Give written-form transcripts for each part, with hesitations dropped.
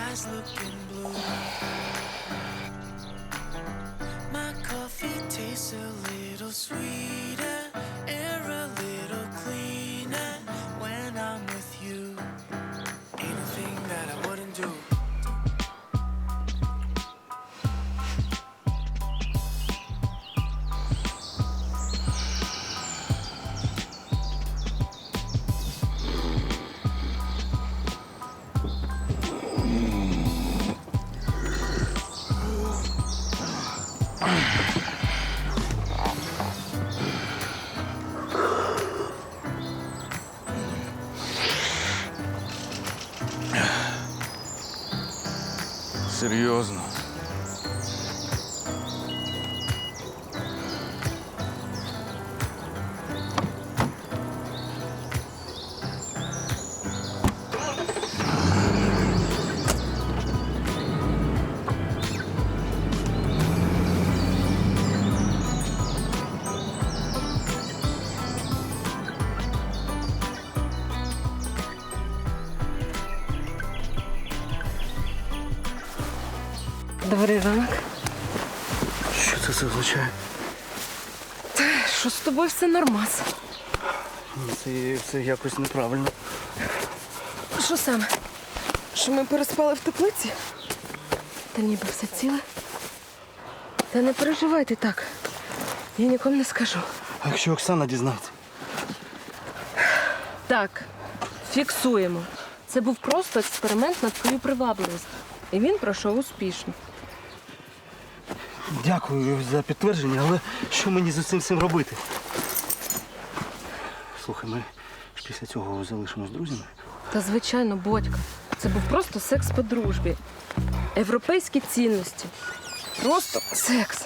eyes looking blue. My coffee tastes a little sweeter, air a little cleaner when I'm with you. Ain't a thing that I wouldn't do. Серйозно. Добрий ранок. Що це означає? Що з тобою все нормас? Це якось неправильно. Що саме? Що ми переспали в теплиці? Та ніби все ціле. Та не переживайте так. Я нікому не скажу. А якщо Оксана дізнається? Так, фіксуємо. Це був просто експеримент на твою привабливість. І він пройшов успішно. Дякую за підтвердження, але що мені з цим всім робити? Слухай, ми ж після цього залишимось друзями. Та звичайно, Бодька. Це був просто секс по дружбі. Європейські цінності. Просто секс.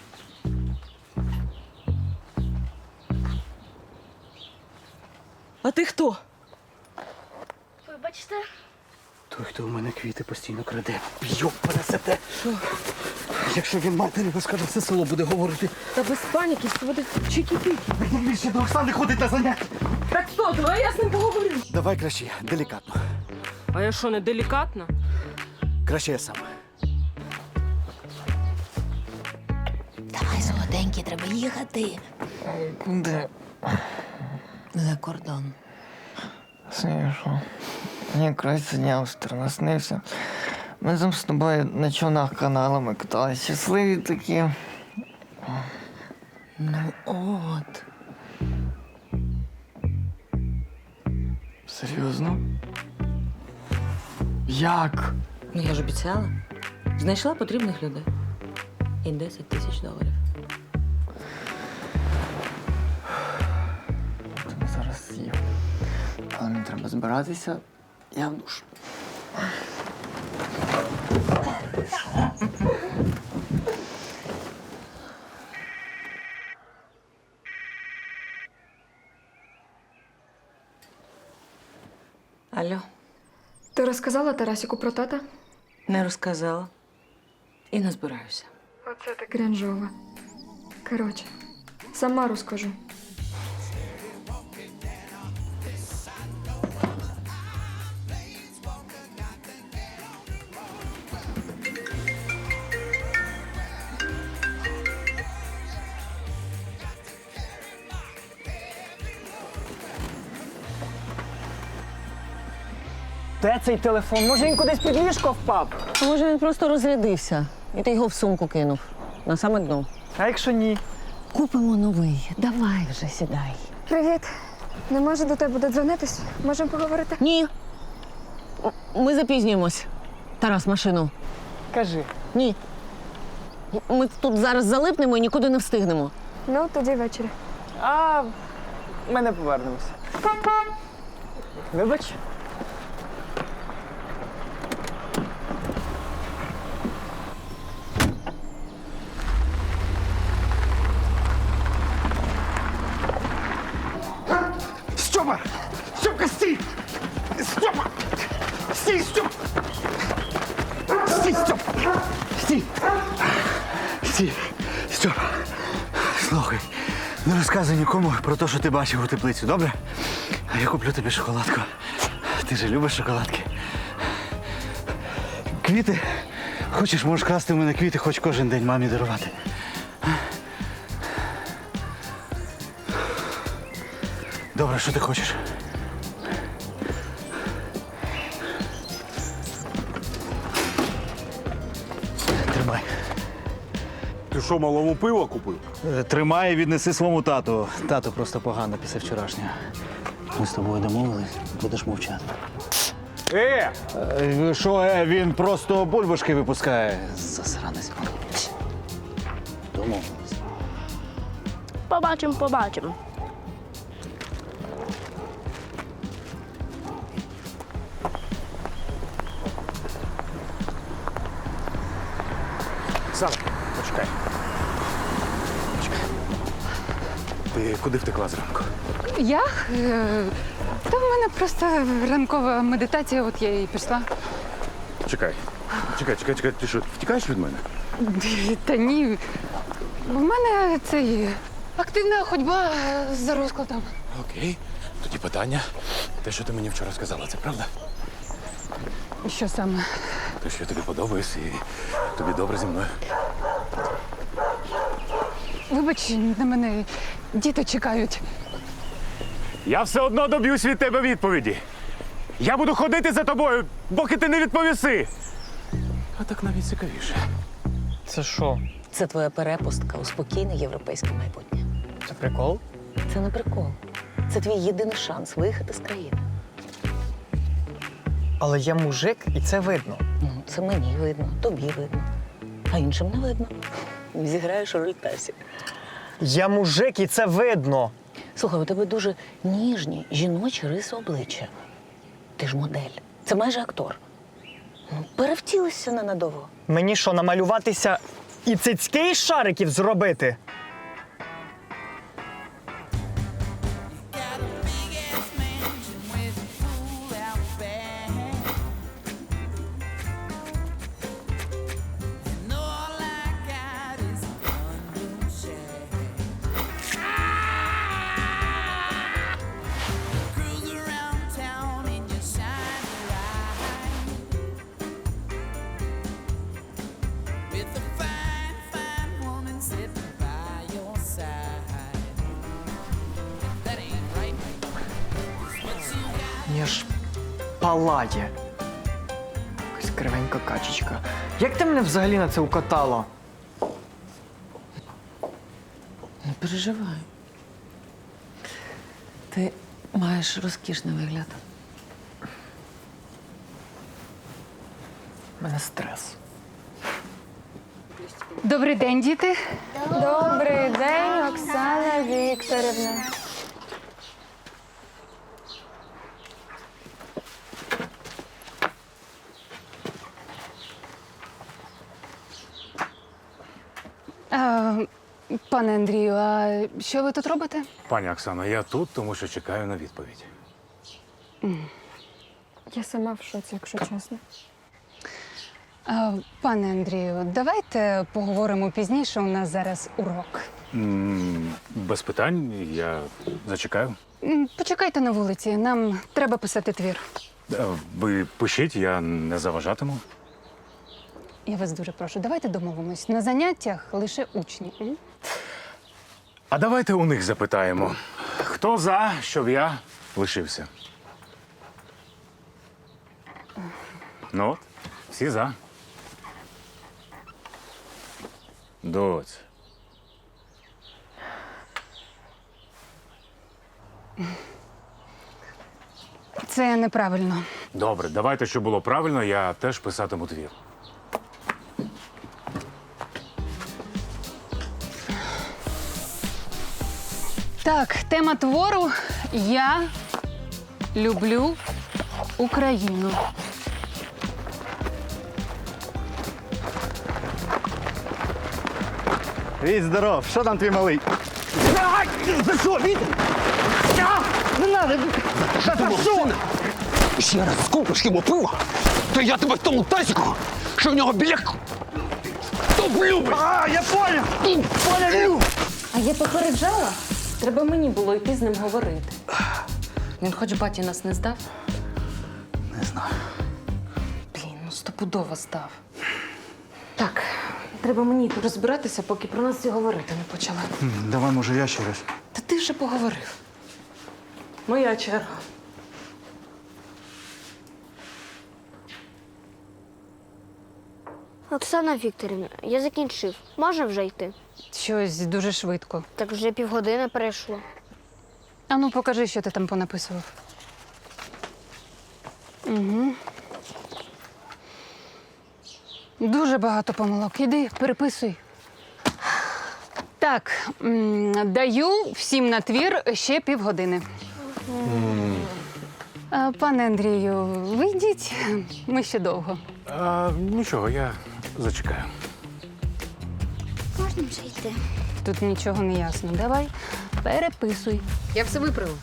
А ти хто? Вибачте. Той, хто у мене квіти постійно краде. Йоп, пересете. Що? Якщо він матері розкаже, все село буде говорити. Та без паніки, все буде чики-піки. Він більше до Оксани ходить на заняття. Так що, давай я з ним поговорю. Давай краще, делікатно. А я що, не делікатна? Краще я сам. Давай, солоденький, треба їхати. Куди? За кордон. Смішно. Мені краще дня остро наснився. Ми там з тобою на човнах каналами каталися. Щасливі такі. Ну от. Серйозно? Як? Ну, я ж обіцяла. Знайшла потрібних людей. І $10 000. Тобі зараз з'їв. Але мені треба збиратися. Я в душ. Алло, Ти розказала Тарасіку про тата? не розказала. І не збираюся. Оце так крінжово. Коротше, сама розкажу. Де цей телефон? Може він кудись під ліжко впав? А може він просто розрядився, і ти його в сумку кинув на саме дно. А якщо ні? Купимо новий. Давай вже сідай. Привіт. Не можу до тебе додзвонитись? Можемо поговорити? Ні. Ми запізнюємось. Тарас, машину. Кажи. Ні. Ми тут зараз залипнемо і нікуди не встигнемо. Ну, тоді ввечері. А ми не повернемося. Вибач. Стьопа! Стьопка, стій! Стьопа! Стій, Стьоп! Стій, Стьоп! Стій! Стій! Стьоп! Слухай, не розказуй нікому про те, що ти бачив у теплицю, добре? А я куплю тобі шоколадку. Ти же любиш шоколадки. Квіти? Хочеш, можеш красти в мене квіти, хоч кожен день мамі дарувати. Добре, що ти хочеш? Тримай. Ти що, малому пиво купив? Тримай і віднеси своєму тату. Тату просто погано після вчорашнього. Ми з тобою домовились, будеш мовчати. Що, він просто бульбашки випускає. Засранець. Домовились. Побачимо. Оксана, почекай. Ти куди втекла зранку? Я? Та в мене просто ранкова медитація, от я і пішла. Чекай. Ти що, втікаєш від мене? Та ні. В мене цей активна ходьба за розкладом. Окей. Тоді питання. Те, що ти мені вчора сказала, це правда? Що саме? Те, що я тобі подобаюсь і тобі добре зі мною. Вибач, на мене діти чекають. Я все одно доб'юсь від тебе відповіді. Я буду ходити за тобою, поки ти не відповіси. А так навіть цікавіше. Це що? Це твоя перепустка у спокійне європейське майбутнє. Це прикол? Це не прикол. Це твій єдиний шанс виїхати з країни. Але я мужик, і це видно. Ну, це мені видно, тобі видно. А іншим не видно. Зіграєш роль Тасі. Я мужик, і це видно. Слухай, у тебе дуже ніжні жіночі риси обличчя. Ти ж модель. Це майже актор. Ну, перевтілися ненадовго. Мені що, намалюватися і цицьки із шариків зробити? Мені ж палає. Якась кривенька качечка. Як ти мене взагалі на це укатала? Не переживай. Ти маєш розкішний вигляд. У мене стрес. Добрий день, діти. Добрий день, Оксана Вікторівна. Пане Андрію, а що ви тут робите? Пані Оксано, я тут, тому що чекаю на відповідь. Я сама в шоці, якщо чесно. Пане Андрію, давайте поговоримо пізніше. У нас зараз урок. Без питань, я зачекаю. Почекайте на вулиці, нам треба писати твір. Ви пишіть, я не заважатиму. Я вас дуже прошу, давайте домовимось. На заняттях лише учні. м? А давайте у них запитаємо, хто за, щоб я лишився? Ну от, всі за. Доць. Це неправильно. Добре, давайте, щоб було правильно, я теж писатиму твір. Так, тема твору «Я люблю Україну». Віть, здоров, що там твій малий? За що, Віть? Не надо! За що? Ще раз скупиш йому пива, то я тебе в тому тазику, що в нього біля топлю! А, я понял! Понял! А я попереджала? Треба мені було йти з ним говорити. Він хоч баті нас не здав? Не знаю. Блін, ну стопудово здав. Так, треба мені тут розбиратися, поки про нас і говорити не почали. Давай, може, я ще раз. Та ти вже поговорив. Моя черга. Оксана Вікторівна, я закінчив. Можна вже йти? Щось дуже швидко. Так вже півгодини пройшло. А ну, покажи, що ти там понаписував. Угу. Дуже багато помилок. Іди, переписуй. Так, даю всім на твір ще півгодини. Пане Андрію, вийдіть, ми ще довго. Нічого, я зачекаю. Можна вже йти. Тут нічого не ясно. Давай, переписуй. Я все виправив.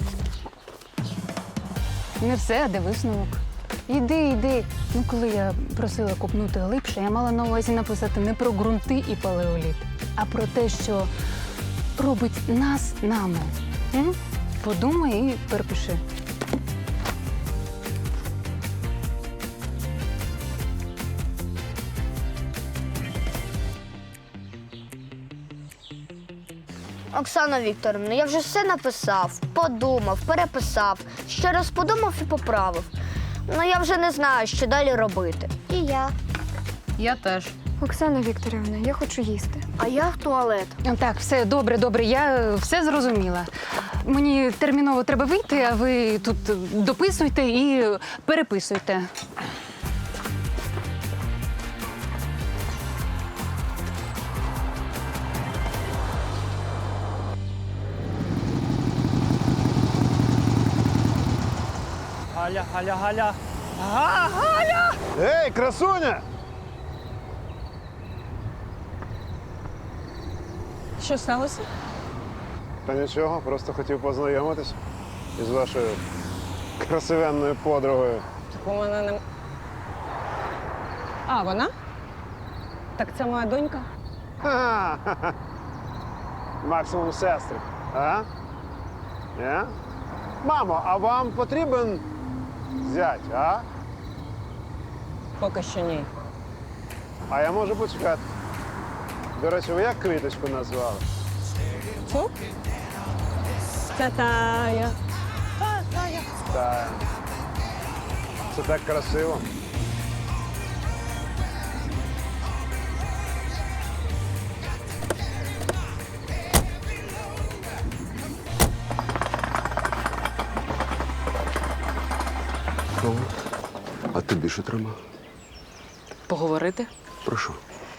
Не все, а де висновок. Іди. Ну, коли я просила копнути глибше, я мала на увазі написати не про ґрунти і палеоліт, а про те, що робить нас нами. М? Подумай і перепиши. Оксана Вікторівна, я вже все написав, подумав, переписав, ще раз подумав і поправив. Ну я вже не знаю, що далі робити. І я. Я теж. Оксана Вікторівна, я хочу їсти. А я в туалет. Так, все, добре, я все зрозуміла. Мені терміново треба вийти, а ви тут дописуйте і переписуйте. Галя. Галя! Ей, красуня! Що сталося? Та нічого, просто хотів познайомитись із вашою красивенною подругою. Так у мене не. А, вона? Так це моя донька? Ха-ха. Максимум сестри. А? Не? Мамо, а вам потрібен зять, а? Поки що ні. А я можу почекати. До речі, ви як квіточку назвали? Фу? Це Тая. Так. Це так красиво. А тобі що треба? Поговорити? Про що?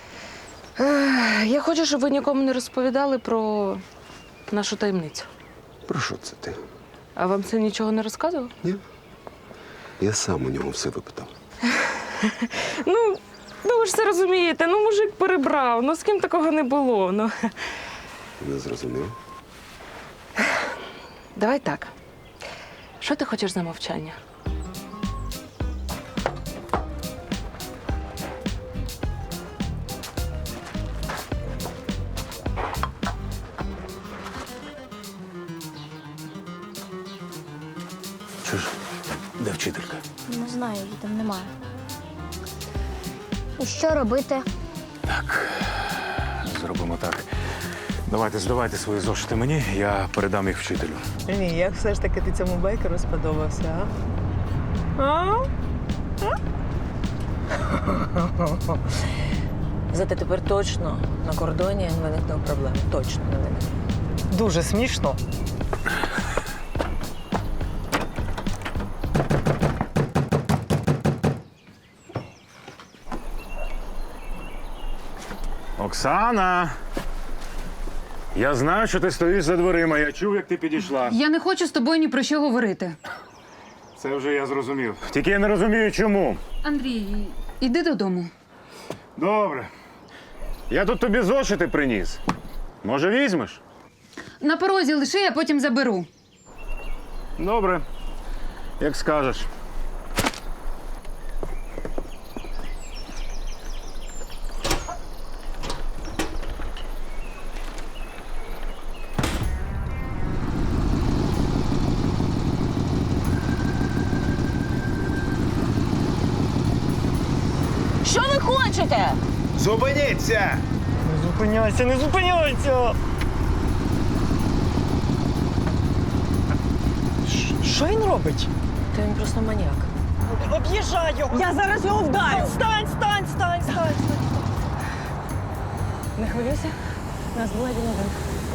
Я хочу, щоб ви нікому не розповідали про нашу таємницю. Про що це ти? А вам це нічого не розказував? Ні? Я сам у нього все випитав. Ну, ви ж це розумієте. Ну, мужик перебрав. Ну, з ким такого не було. Ну. Не зрозумів? Давай так. Що ти хочеш за мовчання? Чуєш, де вчителька? Не знаю, її там немає. І що робити? Зробимо так. Давайте здавайте свої зошити мені, я передам їх вчителю. Ні, як все ж таки ти цьому байкеру сподобався, а? Зате тепер точно на кордоні не виникне проблем. Точно не виникне. Дуже смішно. Оксана! Я знаю, що ти стоїш за дверима. Я чув, як ти підійшла. Я не хочу з тобою ні про що говорити. Це вже я зрозумів. Тільки я не розумію, чому. Андрій, іди додому. Добре. Я тут тобі зошити приніс. Може, візьмеш? На порозі лиши, я потім заберу. Добре. Як скажеш. брешете? Зупиніться! Не зупиняйся, не зупиняйся! Що він робить? Та він просто маніяк. Об'їжджай його! Я зараз його вдарю. Стань! Не хвилюйся, нас була один один.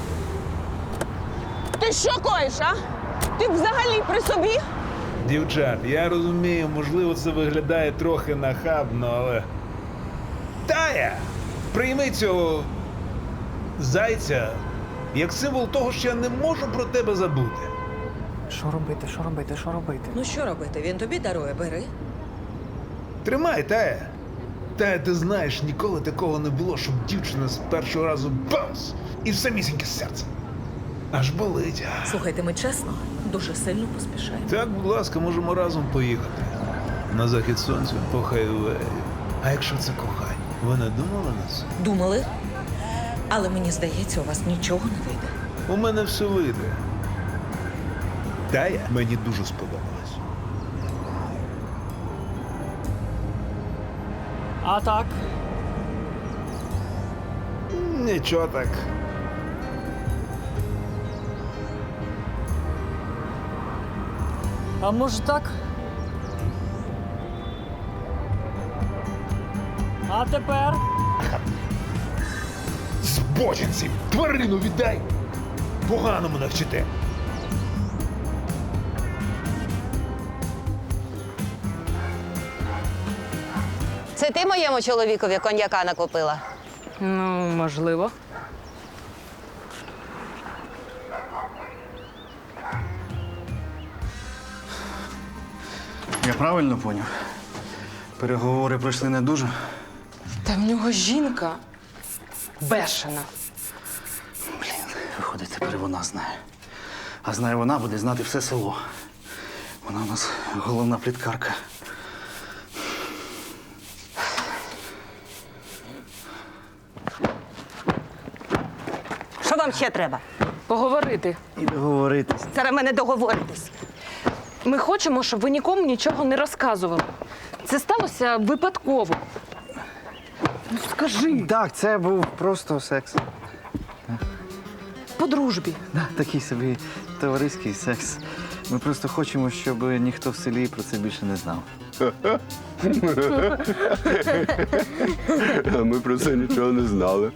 Ти що коїш, а? Ти взагалі при собі? Дівчат, я розумію, можливо, це виглядає трохи нахабно, але. Тая! Прийми цього зайця як символ того, що я не можу про тебе забути. Що робити? Ну що робити? Він тобі дарує, бери. Тримай, Тая! Тая, ти знаєш, ніколи такого не було, щоб дівчина з першого разу бамс! І в самісіньке серце. Аж болить. Слухайте, ми чесно, дуже сильно поспішаємо. Так, будь ласка, можемо разом поїхати. На захід сонця по хайвею. А якщо це кохання, ви не думали на це? Думали, але мені здається, у вас нічого не вийде. У мене все вийде. Тая мені дуже сподобалась. А так? Нічого так. А може так? А тепер? Збочинці! Тварину віддай! Поганому навчите! Це ти моєму чоловікові коньяка накупила? Ну, можливо. Я правильно поняв? Переговори пройшли не дуже. Та в нього жінка бешена. Виходить, тепер і вона знає. А знає вона, буде знати все село. Вона у нас головна пліткарка. Що вам ще треба? Поговорити. І договоритись. Зараз мене договоритись. Ми хочемо, щоб ви нікому нічого не розказували. Це сталося випадково. Ну, скажи, Так, це був просто секс. по дружбі. Такий собі товариський секс. Ми просто хочемо, щоб ніхто в селі про це більше не знав. А ми про це нічого не знали.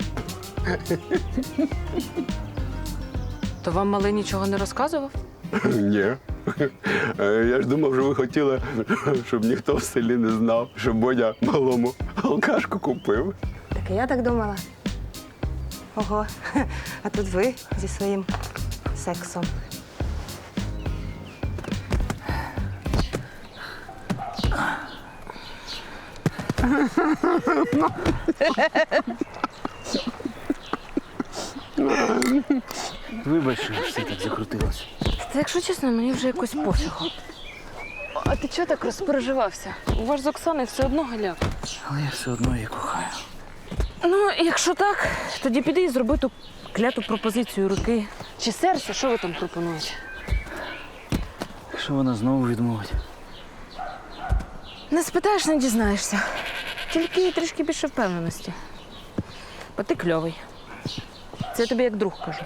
То вам малий нічого не розказував? Ні. Я ж думав, що ви хотіли, щоб ніхто в селі не знав, що Бодя малому алкашку купив. Так і я так думала. Ого, а тут ви зі своїм сексом. Вибач, що все так закрутилося. Та якщо чесно, мені вже якось пофігу. А ти чого так розпереживався? У вас з Оксаною все одно галяк. Але я все одно її кохаю. Ну, якщо так, тоді піди і зроби ту кляту пропозицію руки. Чи серця, що ви там пропонуєте? Якщо вона знову відмовить. Не спитаєш, не дізнаєшся. Тільки трішки більше впевненості. Бо ти кльовий. Це я тобі як друг кажу.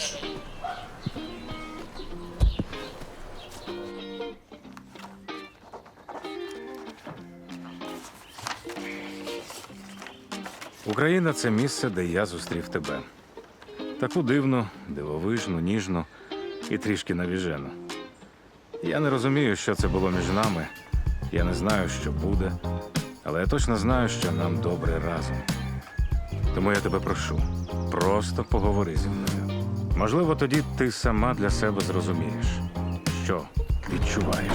Україна це місце, де я зустрів тебе. Таку дивну, дивовижну, ніжну і трішки навіжену. Я не розумію, що це було між нами. Я не знаю, що буде, але я точно знаю, що нам добре разом. Тому я тебе прошу, просто поговори зі мною. Можливо, тоді ти сама для себе зрозумієш, що відчуваєш.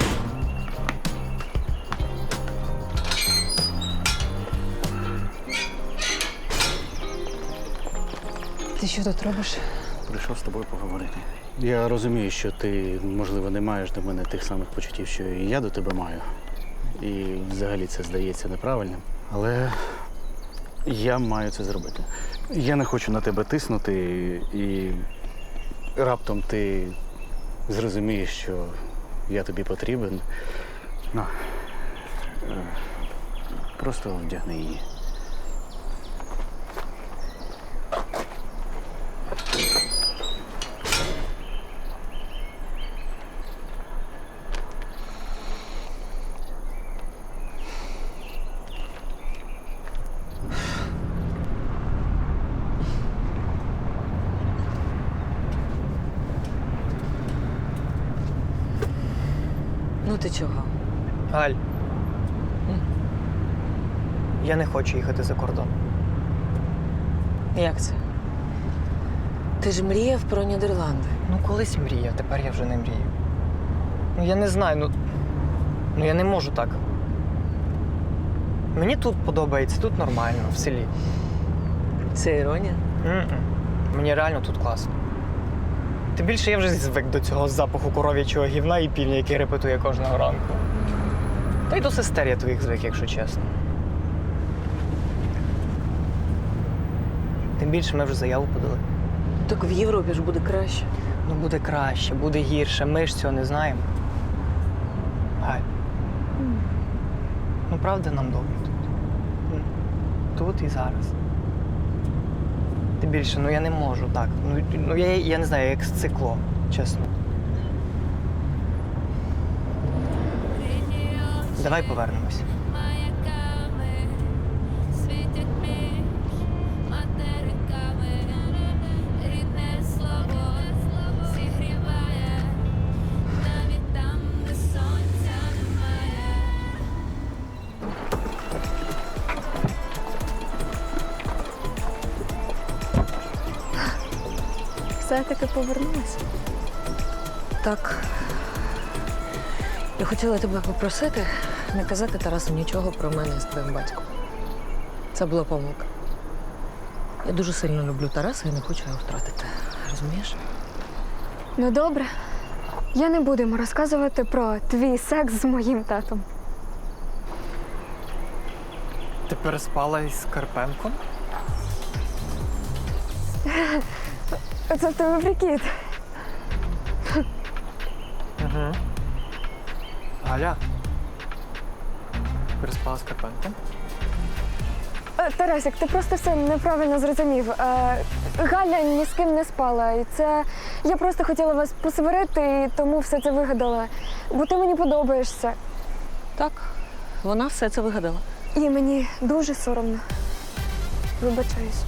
Ти що тут робиш? Прийшов з тобою поговорити. Я розумію, що ти, можливо, не маєш до мене тих самих почуттів, що і я до тебе маю. І взагалі це здається неправильним. Але я маю це зробити. Я не хочу на тебе тиснути, і раптом ти зрозумієш, що я тобі потрібен. Просто вдягни її. Ну ти чого? Галь. Я не хочу їхати за кордон. Як це? Ти ж мріяв про Нідерланди. Ну, колись мріяв, тепер я вже не мрію. Ну, я не знаю, ну я не можу так. Мені тут подобається, тут нормально, в селі. Це іронія? Мені реально тут класно. Тим більше я вже звик до цього запаху коров'ячого гівна і півня, який репетує кожного ранку. Та й до сестер я твоїх звик, якщо чесно. Тим більше ми вже заяву подали. Так в Європі ж буде краще. Ну, буде краще, буде гірше. Ми ж цього не знаємо. Галь. Ну, правда, нам добре тут. Тут і зараз. Тим більше, я не можу так. Я не знаю, як сцикло, чесно. Давай повернемось. Все-таки повернулася. Так. Я хотіла тебе попросити не казати Тарасу нічого про мене з твоїм батьком. Це була помилка. Я дуже сильно люблю Тараса і не хочу його втратити. Розумієш? Ну добре. Я не буду йому розказувати про твій секс з моїм татом. Ти переспала із Карпенком? Це в тебе прикид. Угу. Галя. Переспала з Карпенком? Тарасик, ти просто все неправильно зрозумів. Галя ні з ким не спала. І це я просто хотіла вас посварити, і тому все це вигадала. Бо ти мені подобаєшся. Так, вона все це вигадала. І мені дуже соромно. Вибачаюсь.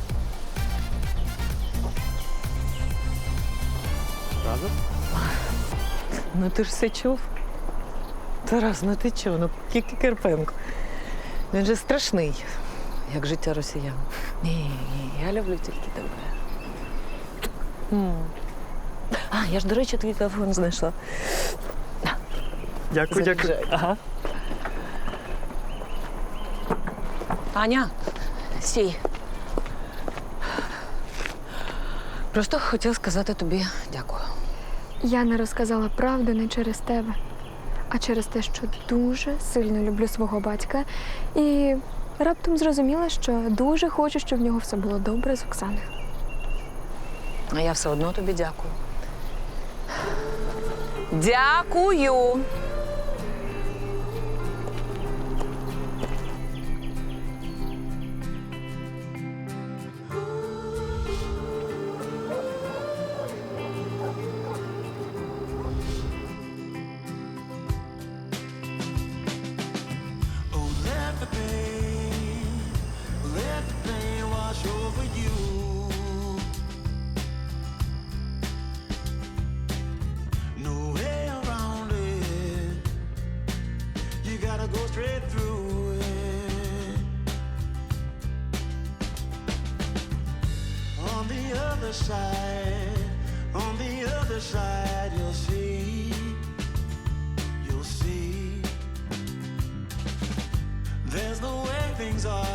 Правда? Ну ти ж все чув. Тарас, ну ти чого? Ну тільки Карпенко. Він же страшний, як життя росіян. Ні, я люблю тільки тебе. Я ж, до речі, твій телефон знайшла. Дякую, дякую. Ага. Аня, стій. Просто хотів сказати тобі дякую. Я не розказала правду не через тебе, а через те, що дуже сильно люблю свого батька. І раптом зрозуміла, що дуже хочу, щоб в нього все було добре з Оксаною. А я все одно тобі дякую. Дякую! Go straight through it. On the other side, you'll see. There's the way things are.